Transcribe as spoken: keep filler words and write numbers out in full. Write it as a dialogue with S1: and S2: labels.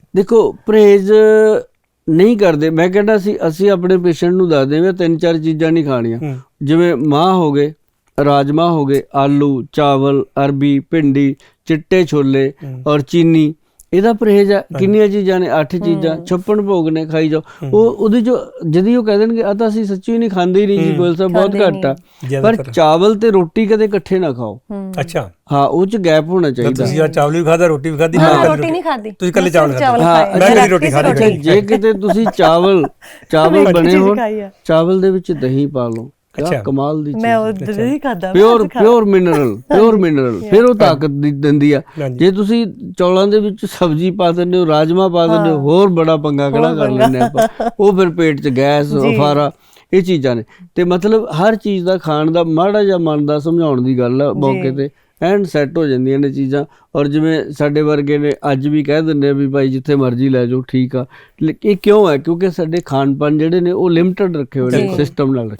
S1: ਦੇਖੋ ਪਰਹੇਜ਼ ਨਹੀਂ ਕਰਦੇ, ਮੈਂ ਕਹਿੰਦਾ ਸੀ ਅਸੀਂ ਆਪਣੇ ਪੇਸ਼ੈਂਟ ਨੂੰ ਦੱਸਦੇ ਵੀ ਤਿੰਨ ਚਾਰ ਚੀਜ਼ਾਂ ਨਹੀਂ ਖਾਣੀਆਂ, ਜਿਵੇਂ ਮਾਂਹ ਹੋ ਗਏ, ਰਾਜਮਾਂਹ ਹੋ ਗਏ, ਆਲੂ, ਚਾਵਲ, ਅਰਬੀ, ਭਿੰਡੀ, ਚਿੱਟੇ ਛੋਲੇ ਔਰ ਚੀਨੀ, ਇਹਦਾ ਪਰਹੇਜ਼ ਹੈ। ਕਿੰਨੀਆਂ ਚੀਜ਼ਾਂ ਨੇ? ਅੱਠ ਚੀਜ਼ਾਂ। ਛੱਪਨ ਭੋਗ ਨੇ, ਖਾਈ ਜਾਓ। ਉਹ ਉਹਦੇ ਚ ਜਦੀ ਉਹ ਕਹਿ ਦੇਣਗੇ ਆ ਤਾਂ ਅਸੀਂ ਸੱਚੀ ਨਹੀਂ ਖਾਂਦੇ ਹੀ ਨਹੀਂ ਜੀ, ਗੋਇਲ ਸਾਹਿਬ ਬਹੁਤ ਘੱਟ ਆ, ਪਰ ਚਾਵਲ ਤੇ ਰੋਟੀ ਕਦੇ ਇਕੱਠੇ ਨਾ ਖਾਓ।
S2: ਅੱਛਾ,
S1: ਹਾਂ, ਉਹ ਚ ਗੈਪ ਹੋਣਾ ਚਾਹੀਦਾ।
S2: ਤੁਸੀਂ ਚਾਵਲ ਵੀ ਖਾਦਾ, ਰੋਟੀ ਵੀ ਖਾਦੀ,
S3: ਰੋਟੀ ਨਹੀਂ ਖਾਦੀ,
S2: ਤੁਸੀਂ ਇਕੱਲੇ ਚਾਵਲ ਖਾਦੇ।
S3: ਹਾਂ,
S2: ਰੋਟੀ ਖਾਦੀ।
S1: ਜੇ ਕਿਤੇ ਤੁਸੀਂ ਚਾਵਲ ਚਾਵਲ ਬਣੇ ਹੋਣ, ਚਾਵਲ ਦੇ ਵਿੱਚ ਦਹੀਂ ਪਾ ਲਓ, ਕਿਆ ਕਮਾਲ ਦੀ ਚੀਜ਼।
S3: ਮੈਂ ਉਹ ਨਹੀਂ ਖਾਦਾ,
S1: pure pure mineral, pure mineral, ਫਿਰ ਉਹ ਤਾਕਤ ਦਿੰਦੀ ਆ। ਜੇ ਤੁਸੀਂ ਚੌਲਾਂ ਦੇ ਵਿੱਚ ਸਬਜ਼ੀ ਪਾ ਦਿੰਦੇ ਹੋ, ਰਾਜਮਾ ਪਾ ਦਿੰਦੇ ਹੋ, ਹੋਰ ਬੜਾ ਪੰਗਾ ਖੜਾ ਕਰ ਲੈਂਦੇ ਆਪਾਂ, ਉਹ ਫਿਰ ਪੇਟ 'ਚ ਗੈਸ, ਅਫਾਰਾ, ਇਹ ਚੀਜ਼ਾਂ ਨੇ। ਤੇ ਮਤਲਬ ਹਰ ਚੀਜ਼ ਦਾ ਖਾਣ ਦਾ ਮਾੜਾ ਜਿਹਾ ਮਨ ਦਾ ਸਮਝਾਉਣ ਦੀ ਗੱਲ ਆ, ਮੌਕੇ ਤੇ ਐਂਡ ਸੈੱਟ ਹੋ ਜਾਂਦੀਆਂ ਨੇ ਚੀਜ਼ਾਂ। ਔਰ ਜਿਵੇਂ ਸਾਡੇ ਵਰਗੇ ਨੇ ਅੱਜ ਵੀ ਕਹਿ ਦਿੰਦੇ ਆ ਵੀ ਭਾਈ ਜਿੱਥੇ ਮਰਜ਼ੀ ਲੈ ਜਾਓ, ਠੀਕ ਆ। ਇਹ ਕਿਉਂ ਹੈ? ਕਿਉਂਕਿ ਸਾਡੇ ਖਾਣ ਪਾਨ ਜਿਹੜੇ ਨੇ ਉਹ ਲਿਮਟਡ ਰੱਖੇ ਹੋਏ ਨੇ, ਸਿਸਟਮ ਨਾਲ।